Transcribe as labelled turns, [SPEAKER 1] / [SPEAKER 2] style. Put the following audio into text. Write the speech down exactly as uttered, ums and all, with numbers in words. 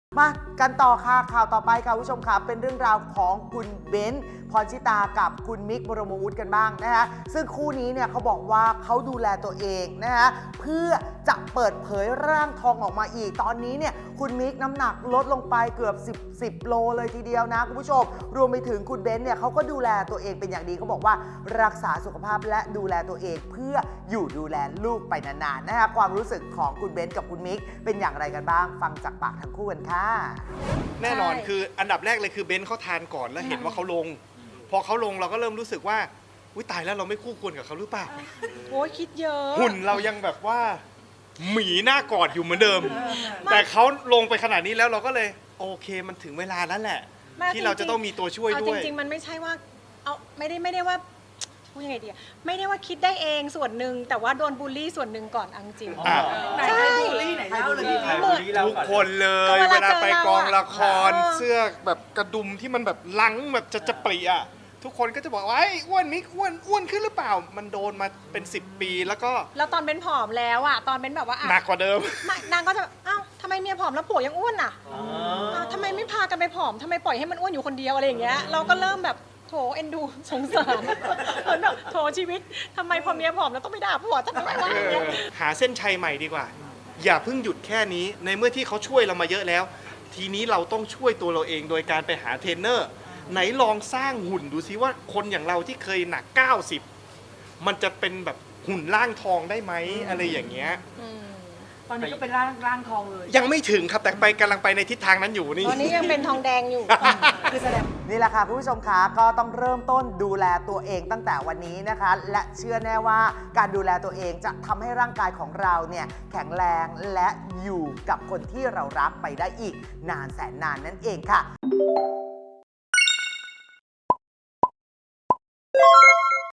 [SPEAKER 1] มากันต่อค่ะข่าวต่อไปค่ะผู้ชมค่ะเป็นเรื่องราวของคุณเบนซ์พรชิตากับคุณมิกบรมวุฒิกันบ้างนะคะซึ่งคู่นี้เนี่ยเขาบอกว่าเขาดูแลตัวเองนะคะเพื่อจะเปิดเผยร่างทองออกมาอีกตอนนี้เนี่ยคุณมิกน้ำหนักลดลงไปเกือบสิบ สิบโลเลยทีเดียวนะคุณผู้ชมรวมไปถึงคุณเบนซ์เนี่ยเขาก็ดูแลตัวเองเป็นอย่างดีเขาบอกว่ารักษาสุขภาพและดูแลตัวเองเพื่ออยู่ดูแลลูกไปนานๆนะคะความรู้สึกของคุณเบนซ์กับคุณมิกเป็นอย่างไรกันบ้างฟังจากปากทั้งคู่กันค่ะ
[SPEAKER 2] แน่นอนคืออันดับแรกเลยคือเบนซ์เขาทานก่อนแล้วเห็นว่าเขาลงพอเขาลงเราก็เริ่มรู้สึกว่าอุ้ยตายแล้วเราไม่คู่ควรกับเขาหรือเปล่า
[SPEAKER 3] โอ้ยคิดเยอะ
[SPEAKER 2] หุ่นเรายังแบบว่าหมีหน้ากอดอยู่เหมือนเดิม แต่เขาลงไปขนาดนี้แล้วเราก็เลยโอเคมันถึงเวลาแล้วแหละ ที่เราจะต้องมีตัวช่วยด้วย
[SPEAKER 3] จริงๆมันไม่ใช่ว่าเอาไม่ได้ไม่ได้ว่าพูดยังไงดีอะไม่ได้ว่าคิดได้เองส่วนหนึ่งแต่ว่าโดนบูลลี่ส่วนหนึ่งก่อนเอาจริง
[SPEAKER 2] อ่ะ
[SPEAKER 3] ใช่
[SPEAKER 4] ไหนเล่าเลยพี่
[SPEAKER 2] ทุกคนเลย
[SPEAKER 3] ก็
[SPEAKER 2] เว
[SPEAKER 3] เวลา
[SPEAKER 2] ลาไปกองละคร
[SPEAKER 3] เจอเราอะ
[SPEAKER 2] เสื้อแบบกระดุมที่มันแบบลังแบบจะจะปรีอ่ะทุกคนก็จะบอกว่าไอ้อ้วนมิกอ้วนอ้วนขึ้นหรือเปล่า มันโดนมาเป็นสิบปีแล้วก็
[SPEAKER 3] แล้วตอนเป็นผอมแล้วอะตอนเป็นแบบว่าอะ
[SPEAKER 2] หนักกว่าเดิม
[SPEAKER 3] ไม่นางก็จะอ้าวทำไมเมียผอมแล้วผัวยังอ้วนอะอ้าวทำไมไม่พากันไปผอมทำไมปล่อยให้มันอ้วนอยู่คนเดียวอะไรอย่างเงี้ยเราก็เริ่มแบบโถเอ็นดูสงสารเหมือนแบบโถชีวิตทำไมพอเมียผอมแล้วต้องไปด่าผัวทำไมวะอย่างเงี้ย
[SPEAKER 2] หาเส้นชัยใหม่ดีกว่า อย่าเพิ่งหยุดแค่นี้ในเมื่อที่เขาช่วยเรามาเยอะแล้ว ทีนี้เราต้องช่วยตัวเราเองโดยการไปหาเทรนเนอร์ไหนลองสร้างหุ่นดูซิว่าคนอย่างเราที่เคยหนักเก้าสิบมันจะเป็นแบบหุ่นร่างทองได้ไหมอะไรอย่างเงี้ย
[SPEAKER 4] ตอนนี้ก็เป็นร่างร่างทองเลย
[SPEAKER 2] ยังไม่ถึงครับแต่ไปกำลังไปในทิศทางนั้นอยู่นี่
[SPEAKER 3] ตอนนี้ยังเป็นทองแดงอยู่
[SPEAKER 4] คือแสดง
[SPEAKER 1] นี่แหละค่ะคุณผู้ชมคะก็ต้องเริ่มต้นดูแลตัวเองตั้งแต่วันนี้นะคะ และเชื่อแน่ว่าการดูแลตัวเองจะทำให้ร่างกายของเราเนี่ยแข็งแรงและอยู่กับคนที่เรารักไปได้อีกนานแสนนานนั่นเองค่ะ